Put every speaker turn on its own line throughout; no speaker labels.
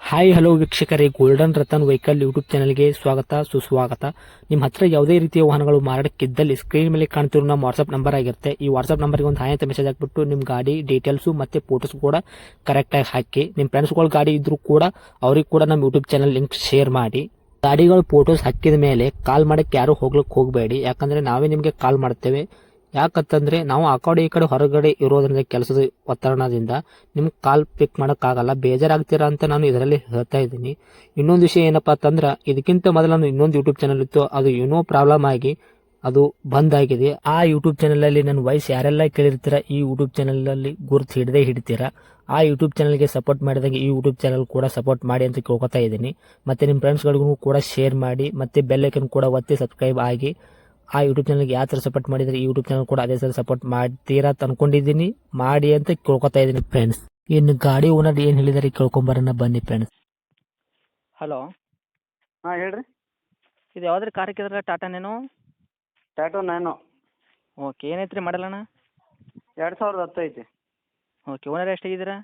Hi hello ವೀಕ್ಷಕರೇ, golden Ratan vehicle YouTube ಚಾನಲ್ಗೆ ಸ್ವಾಗತ ಸುಸ್ವಾಗತ. ನಿಮ್ಮ ಹತ್ರ ಯಾವುದೇ ರೀತಿಯ ವಾಹನಗಳು ಮಾರಾಟಕ್ಕಿದ್ದಲ್ಲಿ ಸ್ಕ್ರೀನ್ ಮೇಲೆ ಕಾಣ್ತಿರೋ ನಮ್ಮ ವಾಟ್ಸ್ಆಪ್ ನಂಬರ್ ಆಗಿರುತ್ತೆ. ಈ ವಾಟ್ಸ್ಆಪ್ ನಂಬರ್ಗೆ ಒಂದು ಹಾಯ್ ಅಂತ ಮೆಸೇಜ್ ಹಾಕ್ಬಿಟ್ಟು ನಿಮ್ಮ ಗಾಡಿ ಡೀಟೇಲ್ಸು ಮತ್ತೆ ಫೋಟೋಸ್ ಕೂಡ ಕರೆಕ್ಟಾಗಿ ಹಾಕಿ. ನಿಮ್ಮ ಫ್ರೆಂಡ್ಸ್ಗಳ ಗಾಡಿ ಇದ್ರೂ ಕೂಡ ಅವ್ರಿಗೆ ಕೂಡ ನಮ್ಮ ಯೂಟ್ಯೂಬ್ ಚಾನಲ್ ಲಿಂಕ್ ಶೇರ್ ಮಾಡಿ. ಗಾಡಿಗಳು ಫೋಟೋಸ್ ಹಾಕಿದ ಮೇಲೆ ಕಾಲ್ ಮಾಡಕ್ಕೆ ಯಾರು ಹೋಗ್ಲಿಕ್ಕೆ ಹೋಗಬೇಡಿ, ಯಾಕಂದ್ರೆ ನಾವೇ ನಿಮಗೆ ಕಾಲ್ ಮಾಡ್ತೇವೆ. ಯಾಕಂತಂದ್ರೆ ನಾವು ಆ ಕಡೆ ಈ ಕಡೆ ಹೊರಗಡೆ ಇರೋದ್ರಿಂದ ಕೆಲಸದ ಒತ್ತಡದಿಂದ ನಿಮ್ಗೆ ಕಾಲ್ ಪಿಕ್ ಮಾಡೋಕ್ಕಾಗಲ್ಲ, ಬೇಜಾರಾಗ್ತೀರಾ ಅಂತ ನಾನು ಇದರಲ್ಲಿ ಹೇಳ್ತಾ ಇದ್ದೀನಿ. ಇನ್ನೊಂದು ವಿಷಯ ಏನಪ್ಪಾ ಅಂತಂದ್ರೆ, ಇದಕ್ಕಿಂತ ಮೊದಲು ನಾನು ಇನ್ನೊಂದು ಯೂಟ್ಯೂಬ್ ಚಾನಲ್ ಇತ್ತು, ಅದು ಏನೋ ಪ್ರಾಬ್ಲಮ್ ಆಗಿ ಅದು ಬಂದ್ ಆಗಿದೆ. ಆ ಯೂಟ್ಯೂಬ್ ಚಾನಲ್ ಅಲ್ಲಿ ನನ್ನ ವಾಯ್ಸ್ ಯಾರೆಲ್ಲ ಕೇಳಿರ್ತೀರಾ, ಈ ಯೂಟ್ಯೂಬ್ ಚಾನಲ್ ಅಲ್ಲಿ ಗುರುತು ಹಿಡದೇ ಹಿಡಿತೀರಾ. ಆ ಯೂಟ್ಯೂಬ್ ಚಾನಲ್ಗೆ ಸಪೋರ್ಟ್ ಮಾಡಿದಾಗ ಈ ಯೂಟ್ಯೂಬ್ ಚಾನಲ್ ಕೂಡ ಸಪೋರ್ಟ್ ಮಾಡಿ ಅಂತ ಕೇಳ್ಕೊತಾ ಇದ್ದೀನಿ. ಮತ್ತೆ ನಿಮ್ಮ ಫ್ರೆಂಡ್ಸ್ಗಳಿಗೂ ಕೂಡ ಶೇರ್ ಮಾಡಿ, ಮತ್ತೆ ಬೆಲ್ ಐಕನ್ ಕೂಡ ಒತ್ತಿ ಸಬ್ಸ್ಕ್ರೈಬ್ ಆಗಿ. ಆ ಯೂಟ್ಯೂಬ್ ಚಾನಲ್ಗೆ ಯಾವ ಥರ ಸಪೋರ್ಟ್ ಮಾಡಿದರೆ ಈ ಯೂಟ್ಯೂಬ್ ಚಾನಲ್ ಕೂಡ ಅದೇ ಥರ ಸಪೋರ್ಟ್ ಮಾಡ್ತೀರಾ ಅಂತ ಅನ್ಕೊಂಡಿದ್ದೀನಿ. ಮಾಡಿ ಅಂತ ಕೇಳ್ಕೊತಾ ಇದ್ದೀನಿ ಫ್ರೆಂಡ್ಸ್. ಇನ್ನು ಗಾಡಿ ಓನರ್ ಏನು ಹೇಳಿದಾರೆ ಕೇಳ್ಕೊಂಬರೋಣ ಬನ್ನಿ ಫ್ರೆಂಡ್ಸ್.
ಹಲೋ,
ಹಾಂ ಹೇಳ್ರಿ.
ಇದು ಯಾವ್ದು ರೀ ಕಾರ್ ಹಾಕಿದ್ರೆ ಟಾಟಾನೇನು?
ಟಾಟೋ ನ್ಯಾನೋ
ಓಕೆ, ಏನೈತೆ ರೀ ಮಾಡಲಣ್ಣ?
2010 ಐತಿ.
Okay, owner ಎಷ್ಟಾಗಿದ್ದೀರಾ?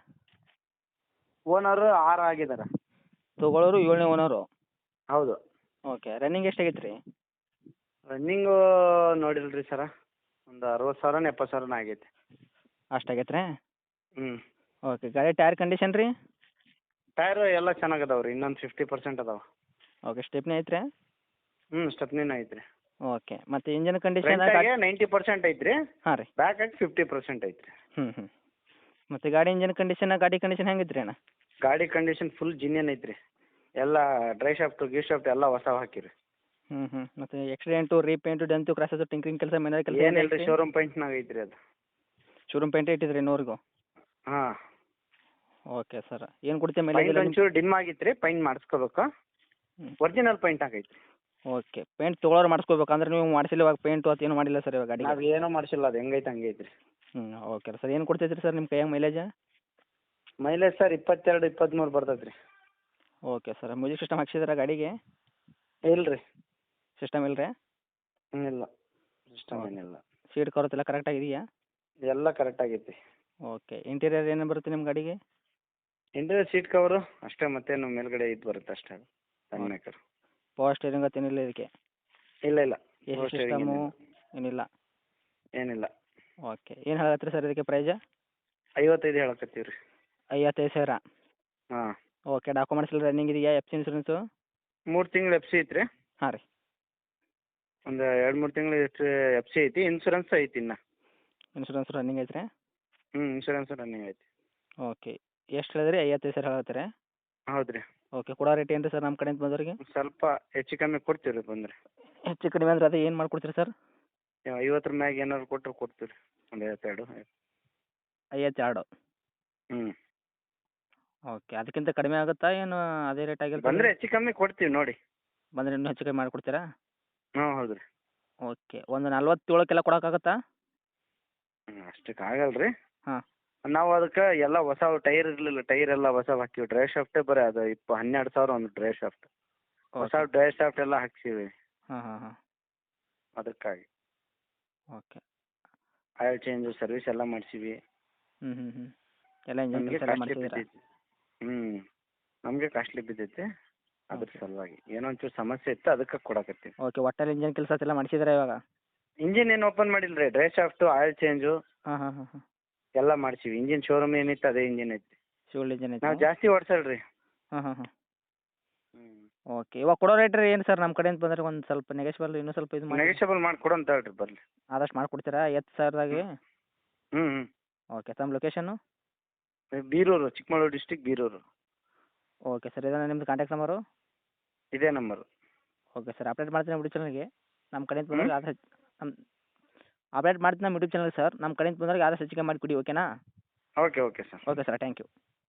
ಓನರು 6 ಆಗಿದ್ದಾರೆ.
ತೊಗೊಳೋರು 7ನೇ ಓನರು.
ಹೌದು.
ಓಕೆ, ರನ್ನಿಂಗ್ ಎಷ್ಟಾಗೈತೆ ರೀ?
ರನ್ನಿಂಗು ನೋಡಿಲ್ರಿ ಸರ, ಒಂದು 60,000 70,000 ಆಗೈತಿ.
ಅಷ್ಟಾಗೈತೆ ರೀ?
ಹ್ಞೂ.
ಓಕೆ, ಗಾಡಿ ಟೈರ್ ಕಂಡೀಷನ್ ರೀ?
ಟೈರು ಎಲ್ಲ ಚೆನ್ನಾಗದಾವೆ ರೀ, ಇನ್ನೊಂದು 50% ಅದಾವೆ.
ಓಕೆ, ಸ್ಟೆಪ್ನಿ ಐತೆ ರೀ?
ಹ್ಞೂ, ಸ್ಟೆಪ್ನಿನ ಐತ್ರಿ.
ಓಕೆ, ಮತ್ತು ಇಂಜನ್ ಕಂಡೀಷನ್?
ಫ್ರಂಟಾಗೆ 90% ಐತ್ರಿ.
ಹಾಂ ರೀ.
ಬ್ಯಾಕಾಗಿ 50% ಐತ್ರಿ.
ಹ್ಞೂ. ಮತ್ತು ಗಾಡಿ ಇಂಜನ್ ಕಂಡೀಷನ್, ಗಾಡಿ ಕಂಡೀಷನ್ ಹೆಂಗೈತೆ ರೀ ಅಣ್ಣ?
ಗಾಡಿ ಕಂಡೀಷನ್ ಫುಲ್ ಜಿನ್ಯನ್ ಐತ್ರಿ. ಎಲ್ಲ ಡ್ರೈ ಶಾಫ್ಟು ಗೀ ಶಾಫ್ಟ್ ಎಲ್ಲ ಹೊಸವು ಹಾಕಿರಿ.
ಮತ್ತು ಆಕ್ಸಿಡೆಂಟು ರೀಪೇಂಟು ಡೆಂತು ಕ್ರಾಸಸ್ಸು ಟಿಂಕ್ರಿಂಗ್ ಕೆಲಸ ಮೇನರ್ ಕೆಲಸ
ಏನಿಲ್ಲ ರೀ, ಶೋರೂಮ್ ಪೇಂಟ್ನಾಗ ಐತ್ರಿ ಅದು.
ಶೋರೂಮ್ ಪೇಂಟ್ ಇಟ್ಟಿದ್ರಿ ಇನ್ನೂರಿಗೂ?
ಹಾಂ.
ಓಕೆ ಸರ್, ಏನು ಕೊಡ್ತೀವಿ
ಪೈಂಟ್
ಮೈಲೇಜ್?
ಒಂಚೂರು ಡಿಮ್ ಆಗಿತ್ತು ರೀ, ಪೈಂಟ್ ಮಾಡಿಸ್ಕೋಬೇಕು. ಒರಿಜಿನಲ್ ಪೈಂಟ್ ಆಗೈತಿ.
ಓಕೆ, ಪೇಂಟ್ ತೊಗೊಳೋರು ಮಾಡಿಸ್ಕೋಬೇಕು ಅಂದ್ರೆ ನೀವು ಮಾಡಿಸಿಲ್ಲ ಇವಾಗ ಪೇಂಟು ಅದು ಏನು ಮಾಡಿಲ್ಲ ಸರ್ ಇವಾಗ ಗಾಡಿಗೆ?
ನಾವು ಏನೂ ಮಾಡಿಸಿಲ್ಲ, ಅದು ಹೆಂಗೈತೆ ಹಂಗೆ ಐತ್ರಿ.
ಓಕೆ ಸರ್, ಏನು ಕೊಡ್ತೈತ್ರಿ ಸರ್ ನಿಮ್ಮ ಕೈಯಾಗ ಮೈಲೇಜ್?
ಮೈಲೇಜ್ ಸರ್ 22 23 ಬರ್ತೈತೆ ರೀ.
ಓಕೆ ಸರ್, ಮ್ಯೂಸಿಕ್ ಸಿಸ್ಟಮ್ ಹಾಕ್ಸಿದ್ರೆ ಗಾಡಿಗೆ?
ಇಲ್ಲ ರೀ.
ಸಿಸ್ಟಮ್ ಇಲ್ಲ ರೀ?
ಇಲ್ಲ, ಸಿಸ್ಟಮ್ ಏನಿಲ್ಲ.
ಸೀಟ್ ಕವರ್ಸ್ ಎಲ್ಲ ಕರೆಕ್ಟ್ ಆಗಿದೆಯಾ?
ಎಲ್ಲ ಕರೆಕ್ಟ್ ಆಗೈತಿ.
ಓಕೆ, ಇಂಟೀರಿಯರ್ ಏನೇನು ಬರುತ್ತೆ ನಿಮ್ಮ ಗಾಡಿಗೆ?
ಇಂಟೀರಿಯರ್ ಸೀಟ್ ಕವರು ಅಷ್ಟೇ, ಮತ್ತೇನು ಮೇಲ್ಗಡೆ ಇದು ಬರುತ್ತೆ ಅಷ್ಟೇ, ಸಣ್ಣ ಮೇಕರ್.
ಪವರ್ ಸ್ಟೇರಿಂಗ್ ಅದು ಏನಿಲ್ಲ ಇದಕ್ಕೆ?
ಇಲ್ಲ ಇಲ್ಲ,
ಎ ಸಿ ಸಿಸ್ಟಮು ಏನಿಲ್ಲ?
ಏನಿಲ್ಲ.
ಓಕೆ, ಏನು ಹೇಳತ್ತೀರಿ ಸರ್ ಇದಕ್ಕೆ ಪ್ರೈಜ?
55 ಹೇಳಕತ್ತೀವಿ ರೀ.
55,000?
ಹಾಂ.
ಓಕೆ, ಡಾಕ್ಯುಮೆಂಟ್ಸ್ ಎಲ್ಲ ರನ್ನಿಂಗ್ ಇದೆಯಾ? F C insurance?
3 ತಿಂಗಳು ಎಫ್ ಸಿ ಐತ್ರಿ.
ಹಾಂ ರೀ.
ಒಂದು 2-3 ತಿಂಗಳು ಎಫ್ ಸಿ ಐತಿ, ಇನ್ಸೂರೆನ್ಸ್ ಐತಿ ಇನ್ನು.
ಇನ್ಸೂರೆನ್ಸ್ ರನ್ನಿಂಗ್ ಐತ್ರಿ?
ಇನ್ಸೂರೆನ್ಸ್ ರನ್ನಿಂಗ್ ಐತಿ.
ಓಕೆ, ಎಷ್ಟು ಹೇಳಿದ್ರಿ? 55,000 ಹೇಳ್ತೀರಾ?
ಹೌದು ರೀ.
ಓಕೆ, ಕೊಡೋ ರೇಟ್ ಏನು ರೀ ಸರ್ ನಮ್ಮ ಕಡೆಯಿಂದ ಬಂದವರಿಗೆ?
ಸ್ವಲ್ಪ ಹೆಚ್ಚು ಕಮ್ಮಿ ಕೊಡ್ತೀವಿ ರೀ ಬಂದರೆ.
ಹೆಚ್ಚು ಕಡಿಮೆ ಅಂದ್ರೆ ಅದೇ ಏನು ಮಾಡ್ಕೊಡ್ತೀರಿ ಸರ್?
50 ಮ್ಯಾಗ ಏನಾದ್ರು ಕೊಟ್ಟರು ಕೊಡ್ತೀವಿ ರೀ, ಒಂದು 52.
52?
ಹ್ಞೂ.
ಓಕೆ, ಅದಕ್ಕಿಂತ ಕಡಿಮೆ ಆಗುತ್ತಾ ಏನು ಅದೇ ರೇಟ್ ಆಗಿರುತ್ತೆ?
ಬಂದರೆ ಹೆಚ್ಚು ಕಮ್ಮಿ ಕೊಡ್ತೀವಿ ನೋಡಿ.
ಬಂದರೆ ಇನ್ನೂ ಹೆಚ್ಚು ಕಡಿಮೆ ಮಾಡಿಕೊಡ್ತೀರಾ?
ಹಾಂ ಹೌದು ರೀ.
ಓಕೆ, ಒಂದು 47ಕ್ಕೆಲ್ಲ ಕೊಡೋಕ್ಕಾಗತ್ತಾ?
ಅಷ್ಟಕ್ಕೆ ಆಗಲ್ಲ ರೀ.
ಹಾಂ.
ನಾವು ಅದಕ್ಕೆ ಎಲ್ಲ ಹೊಸ ಟೈರ್ ಇರಲಿಲ್ಲ, ಟೈರ್ ಎಲ್ಲ ಹೊಸವು ಹಾಕಿವಿ. ಡ್ರೈ ಶಾಫ್ಟೇ ಬರೀ ಅದು 12,000 ಒಂದು ಡ್ರೈ ಶಾಫ್ಟ್. ಹೊಸ ಡ್ರೈ ಶಾಫ್ಟ್ ಎಲ್ಲ ಹಾಕ್ಸೀವಿ.
ಹಾಂ.
ಅದಕ್ಕಾಗಿ
ಓಕೆ.
ಆಯಿಲ್ ಚೇಂಜು ಸರ್ವಿಸ್ ಎಲ್ಲ ಮಾಡಿಸೀವಿ.
ಎಲ್ಲ ಇಂಜನ್
ನಮಗೆ
ಕೆಲಸ ಎಲ್ಲ
ಕಾಸ್ಟ್ಲಿ
ಮಾಡಿಸಿದ್ದೀರಾ?
ಬಿದ್ದೈತಿ. ನಮಗೆ ಕಾಸ್ಟ್ಲಿ ಬಿದ್ದೈತಿ, ಅದ್ರ ಸಲುವಾಗಿ ಏನೋ ಒಂಚೂರು ಸಮಸ್ಯೆ ಇತ್ತು, ಅದಕ್ಕೆ ಕೊಡಕತ್ತೀವಿ.
ಓಕೆ, ಒಟ್ಟಲ್ಲಿ ಇಂಜನ್ ಕೆಲಸ ಎಲ್ಲ ಮಾಡಿಸಿದ್ದೀರಾ ಇವಾಗ?
ಇಂಜಿನ್ ಏನು ಓಪನ್ ಮಾಡಿಲ್ಲ ರೀ, ಡ್ರೈ ಶಾಫ್ಟು ಆಯಿಲ್ ಚೇಂಜು
ಹಾಂ.
ಎಲ್ಲ ಮಾಡಿಸೀವಿ. ಇಂಜಿನ್ ಶೋರೂಮ್ ಏನಿತ್ತು ಅದೇ ಇಂಜಿನ್ ಐತಿ.
ಶಿವಲ್ ಇಂಜನ್ ಐತೆ?
ನಾವು ಜಾಸ್ತಿ ಓಡಿಸಲ್ಲ ರೀ.
ಹಾಂ. ಓಕೆ, ಇವಾಗ ಕೊಡೋ ರೇಟ್ ರೀ ಏನು ಸರ್ ನಮ್ಮ ಕಡೆಯಿಂದ ಬಂದರೆ ಒಂದು ಸ್ವಲ್ಪ ನೆಗೆಶ್ಬಲ್ ಇನ್ನೂ ಸ್ವಲ್ಪ ಇದು ಮಾಡಿ?
ನೆಗೆಷಬಲ್ ಮಾಡಿ ಕೊಡೋಂತ ಹೇಳ್ರಿ ಬರಲಿ.
ಆದಷ್ಟು ಮಾಡಿಕೊಡ್ತೀರಾ 50,000ದಾಗೆ?
ಹ್ಞೂ.
ಓಕೆ, ತಮ್ಮ location?
Birur, Chikkamagaluru district Birur.
Okay sir, ಇದನ್ನ ನಿಮ್ಮದು ಕಾಂಟ್ಯಾಕ್ಟ್ ನಂಬರು?
ಇದೇ ನಂಬರು.
ಓಕೆ ಸರ್, ಅಪ್ಡೇಟ್ ಮಾಡ್ತೀನಿ ಯೂಟ್ಯೂಬ್ ಚಾನಲ್ಗೆ. ನಮ್ಮ ಕಡೆಯಿಂದ ಬಂದವ್ರಿಗೆ ಆದಷ್ಟು ಅಪ್ಡೇಟ್ ಮಾಡ್ತೀನಿ ನಮ್ಮ ಯೂಟ್ಯೂಬ್ ಚಾನಲ್ ಸರ್. ನಮ್ಮ ಕಡೆಯಿಂದ ಬಂದವ್ರಿಗೆ ಆದಷ್ಟು ಹೆಚ್ಚಿಗೆ ಮಾಡಿ ಕೊಡಿ, ಓಕೆನಾ?
Okay sir.
Okay sir, thank you.